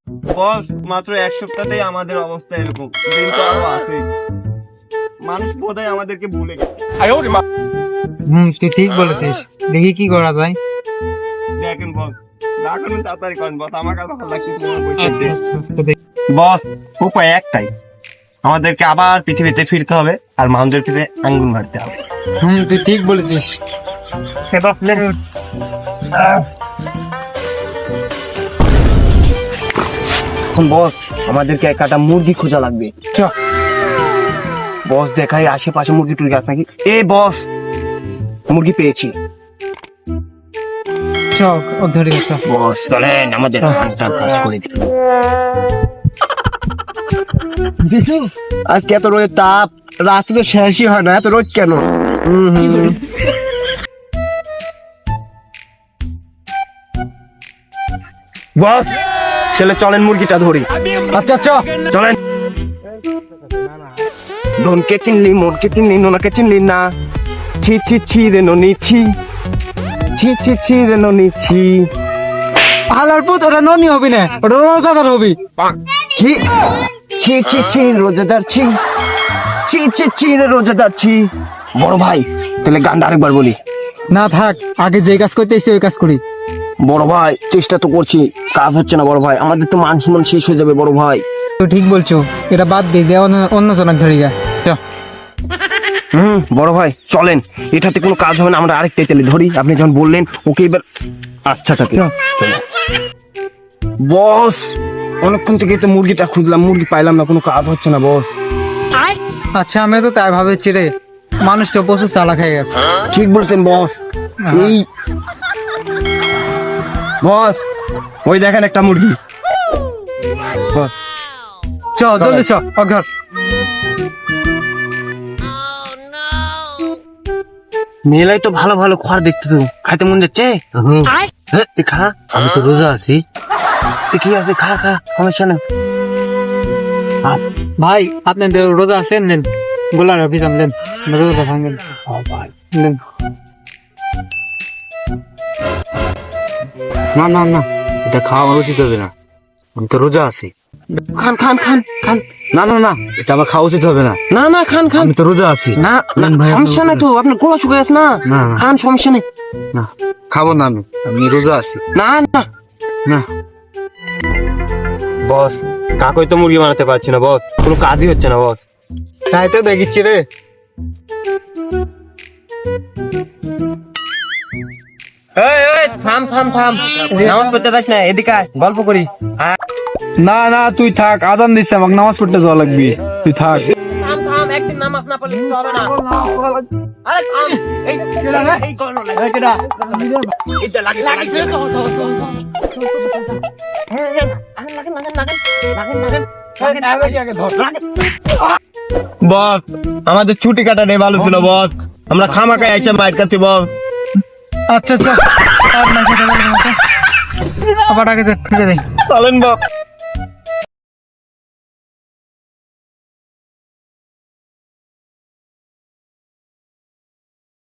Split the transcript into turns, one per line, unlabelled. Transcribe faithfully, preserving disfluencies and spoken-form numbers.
বস মাত্র এক সপ্তাহতেই আমাদের অবস্থা এরকম, দিন তো আরো আছে। মানুষ বোধহয় আমাদেরকে ভুলে গেছে।
হুম তুই ঠিক বলেছিস, দেখি কি করা যায়।
দেখেন বস, না করুন তাড়াতাড়ি করেন বস, আমার কাছে ভালো লাগছে।
আচ্ছা, আচ্ছা, দেখ।
বস উপায় একটাই, আমাদেরকে আবার পৃথিবীতে ফিরতে হবে আর মানুষের পিঠে আঙ্গুল মারতে হবে।
হুম তুই ঠিক বলেছিস।
এখন বস আমাদেরকে এক কাটা মুরগি খোঁজা লাগবে।
চ
বস দেখাই আশেপাশে মুরগি টুরগি আছে নাকি। এ বস, মুরগি পেয়েছি।
চ ও ধরে চ।
বস চলেন, আমাদের কাজ করে দিন। আজকে এত রোদের তাপ, রাত্রে শেষই হয় না, এত রোদ কেন? হুম হুম। বস ছেলে চলেন মুরগিটা ধরি।
আচ্ছা চ
চলেন। ধনকে চিনলি, মনকে চিনলি, নোনাকে চিনলি না। ছি ছি ছি রে ননি ছি, ছি ছি ছি রে ননি ছি।
আলার পুত ওটা ননি হবি না, ওটা রোজাদার হবি।
কি? ছি ছি ছি রোজাদার ছি, ছি ছি ছি রে রোজাদার ছি। বড় ভাই তাহলে গানটা আরেকবার বলি।
না থাক, আগে যে কাজ করতে এসে ওই কাজ করি।
বড় ভাই চেষ্টা তো করছি, কাজ হচ্ছে না বড় ভাই, আমাদের তো মান সম্মান শেষ হয়ে যাবে বড় ভাই।
তো ঠিক বলছো, এটা বাদ দিয়ে দে, অন্য অন্য জনক ধরে যা। চ
হুম বড় ভাই চলেন, এটাতে কোনো কাজ হবে না, আমরা আরেকটা তেলে ধরি। আপনি যখন বললেন ওকে এবার আচ্ছা থাকে। বস অনেকক্ষণ থেকে তো মুরগিটা খুঁজলাম, মুরগি পাইলাম না, কোনো কাজ হচ্ছে না বস।
আচ্ছা আমি তো তাই ভাবেছি রে, মানুষটা প্রচুর চালাক হয়ে গেছে।
ঠিক বলছেন বস। এই বস ওই দেখেন একটা মুরগি। বস
চ জলদি চ অঘর।
মেলাই তো ভালো ভালো খাবার দেখতে তো, খাইতে মন যাচ্ছে। হ্যাঁ তুই খা, আমি তো রোজা আছি। তুই কি আছে, খা খা, সমস্যা নেই।
ভাই আপনি রোজা আছেন, নেন গোলার অফিসাম দেন, রোজাটা ভাঙেন দেন।
না না না, এটা খাওয়া উচিত হবে না, আমি তো রোজা আছি।
খান খান খান খান।
না না না, এটা আমার খাওয়া উচিত হবে না,
না না খান খান।
আমি তো রোজা আছি।
না না,
নেন ভাই,
সমস্যা
আপনি
নাই তো, আপনার গোলা শুকিয়ে গেছে না।
না, না।
খান, সমস্যা নেই।
না খাবো না, আমি আমি রোজা আছি।
না না
না
বস, কাকই তো মুরগি বানাতে পারছি না বস, কোনো কাজই হচ্ছে না বস।
তাই তো দেখিচ্ছি রে।
এই এই থাম থাম থাম, নামাজ পড়তে যাস না, এদিকে আয়, গল্প করি।
না না তুই থাক, আজান দিচ্ছে, আমাকে নামাজ পড়তে যাওয়া লাগবে, তুই থাক।
থাম থাম, একদিন নামাজ না পড়লে কিছু হবে না। আরে থাম, এই এই করো না, এই কেডা এটা লাগে লাগে। বস আমাদের ছুটি কাটাটাই ভালো ছিল বস, আমরা খামাকায় আইসা মাইর কাছি বস।
আচ্ছা আচ্ছা আর না সেটা বলবো না। আবার আগে দেখ, ফিরে দেখ।
চলেন বস।